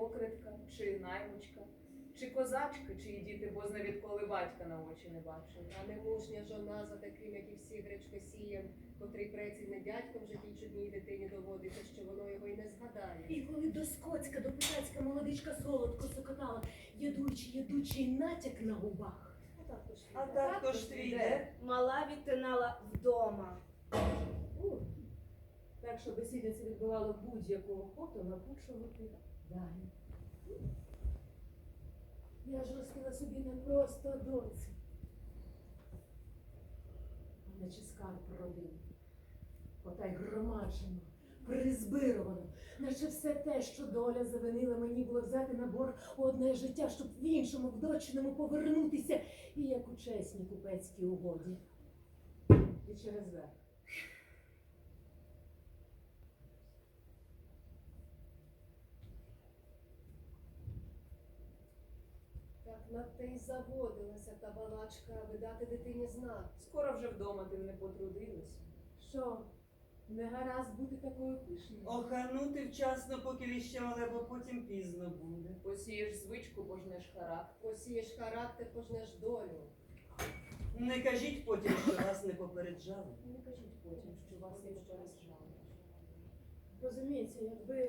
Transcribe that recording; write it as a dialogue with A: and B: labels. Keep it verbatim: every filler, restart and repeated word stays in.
A: покритка, чи наймичка, чи козачка, чиї діти бозна відколи батька на очі не бачили.
B: А немужня жона за таким, як і всі гречкосієм, котрий преці не дядьком вже ті чудній дитині доводиться, що воно його й не згадає.
C: І коли до Скотська, до Писацька молодичка солодко сокотала, ядучий, ядучий натяк на губах.
D: А також твій де?
E: Мала відтинала вдома.
C: У, так, що бесідниця відбивала будь-яку охоту накучувати далі. Я ж ростила собі не просто доцю, а наче скарб родини. Ота й громаджено, призбировано, наче все те, що доля завинила мені, було взяти на борг у одне життя, щоб в іншому, в дочиному повернутися, і як у чесній купецькій угоді. І через верх.
B: Так над те й заводилася та балачка, аби дати дитині знак.
A: Скоро вже вдома ти не потрудилась.
C: Що, не гаразд бути такою пишною?
D: Оханути вчасно, поки віще мале, бо потім пізно буде.
A: Посієш звичку, пожнеш характер.
B: Посієш характер, пожнеш долю.
D: Не кажіть потім, що вас не попереджали.
C: Не кажіть потім, що вас не попереджали. Розумієте, якби